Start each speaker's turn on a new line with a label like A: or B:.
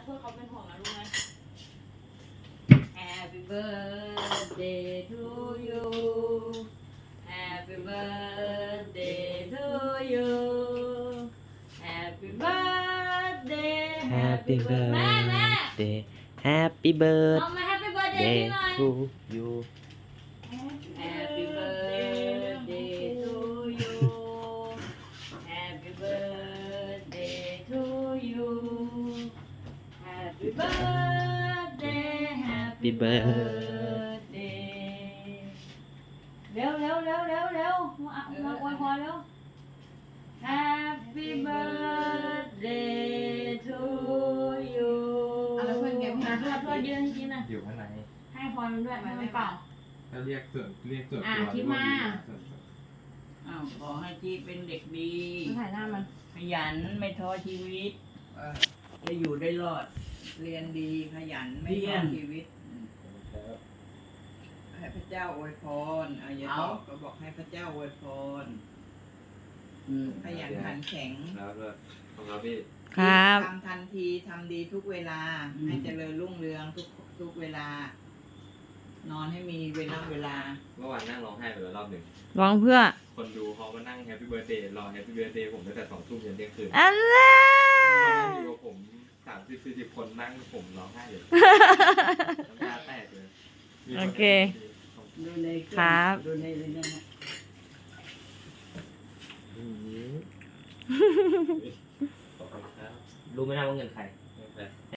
A: เพื่อเขาเป็นห่วงนะรู้ไหม Happy birthday to you Happy birthday to you Happy birthday
B: Happy
A: แม่แม่
B: birthday Happy
A: น้องมา Happy birthday
B: birthday
A: พี่หน่อย
B: to you
A: Happy birthday to you Happy birthday to you Happy birthday Happy birthday เร็วมาอวยพรเร็ว Happy birthday to you
C: อะไรเพื่อนแกไม่
A: เพื่อนยืนจริงนะ
D: อยู่ข้างใน
A: ให้พรมันด้วยให้มันเป่า
D: ถ้าเรียกส่วนตัว
A: คิดมา
E: อ้าวขอให้ที่เป็นเด็กดี
A: ถ่ายหน้ามัน
E: ขยันไม่ท้อชีวิตจะอยู่ได้รอด
C: เรียนดีขยันไม่
E: เรี
C: ท้
E: ย
C: อน ชีวิตให้พระเจ้าอวยพรอย่าตอบก็บอกให้พระเจ้าอวยพรขยันขันแข็ง
D: แล้วก็ของเราพี่
B: ครับ
C: ทำทันทีทำดีทุกเวลา ให้เจริญรุ่งเรืองทุกเวลา นอนให้มีเวลา
D: เมื่อวานนั่งร้องไห้ไปแล้วรอบหนึ่ง
B: ร้องเพื่อ
D: คนดูเขามานั่งแฮปปี้เบิร์ดเดย์รอแฮปปี้เบิร์ดเดย์ผมตั้งแต่2 ทุ่มยันเที่ยงคืน
B: อันแร
D: เขานั่
B: ก
D: งอยู่กับผม30-40 คนนั่งผมร้องไห้เลยน้ำตาแตกเลยมีน
B: โอเค
E: ดูใน
B: ครับ
E: ดูในนั่นนะ
D: ขอบคุณครับรู้ไหมนะว่าเงินใคร